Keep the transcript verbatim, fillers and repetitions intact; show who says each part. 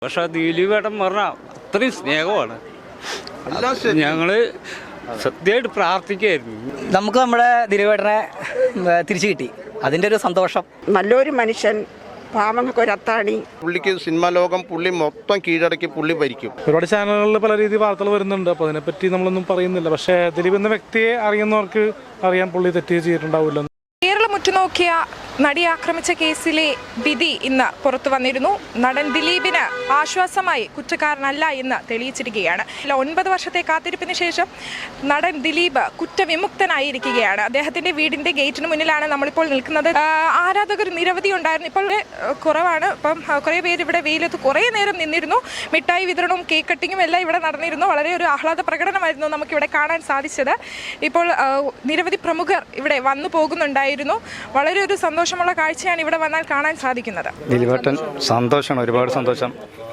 Speaker 1: പക്ഷെ ദിലീപേട്ടൻ പറഞ്ഞാൽ അത്രയും സ്നേഹമാണ്. ഞങ്ങള് സത്യമായിട്ട് പ്രാർത്ഥിക്കായിരുന്നു.
Speaker 2: നമുക്ക് നമ്മുടെ ദിലീപേട്ടനെ തിരിച്ചു കിട്ടി, അതിൻ്റെ ഒരു സന്തോഷം.
Speaker 3: നല്ലൊരു മനുഷ്യൻ, പാവങ്ങൾക്ക് ഒരു അത്താണി.
Speaker 4: പുള്ളിക്ക് സിനിമാ ലോകം പുള്ളി മൊത്തം കീഴടക്കി പുള്ളി ഭരിക്കും.
Speaker 5: ഒരുപാട് ചാനലുകളിൽ പല രീതിയിൽ വാർത്തകൾ വരുന്നുണ്ട്, അപ്പോൾ അതിനെപ്പറ്റി നമ്മളൊന്നും പറയുന്നില്ല. പക്ഷേ ദിലീപ് എന്ന വ്യക്തിയെ അറിയുന്നവർക്ക് അറിയാൻ പുള്ളി തെറ്റ് ചെയ്തിട്ടുണ്ടാവില്ല.
Speaker 6: കേരളം ഉറ്റുനോക്കിയ നടിയെ ആക്രമിച്ച കേസിലെ വിധി ഇന്ന് പുറത്തു വന്നിരുന്നു. നടൻ ദിലീപിന് ആശ്വാസമായി കുറ്റക്കാരനല്ല എന്ന് തെളിയിച്ചിരിക്കുകയാണ്. ഒൻപത് വർഷത്തെ കാത്തിരിപ്പിന് ശേഷം നടൻ ദിലീപ് കുറ്റവിമുക്തനായിരിക്കുകയാണ്. അദ്ദേഹത്തിന്റെ വീടിന്റെ ഗേറ്റിന് മുന്നിലാണ് നമ്മളിപ്പോൾ നിൽക്കുന്നത്. ആരാധകർ നിരവധി ഉണ്ടായിരുന്നു, ഇപ്പോൾ കുറവാണ്. ഇപ്പം കുറേ പേര് ഇവിടെ വെയിലത്ത് കുറേ നേരം നിന്നിരുന്നു. മിഠായി വിതരണവും കേക്ക് കട്ടിങ്ങും എല്ലാം ഇവിടെ നടന്നിരുന്നു. വളരെ ഒരു ആഹ്ലാദ പ്രകടനമായിരുന്നു നമുക്കിവിടെ കാണാൻ സാധിച്ചത്. ഇപ്പോൾ നിരവധി പ്രമുഖർ ഇവിടെ വന്നു പോകുന്നുണ്ടായിരുന്നു. വളരെ ഒരു സന്തോഷമുള്ള കാഴ്ചയാണ് ഇവിടെ വന്നാൽ കാണാൻ സാധിക്കുന്നത്.
Speaker 7: ദിലീപേട്ടൻ സന്തോഷമാണ്, ഒരുപാട് സന്തോഷം.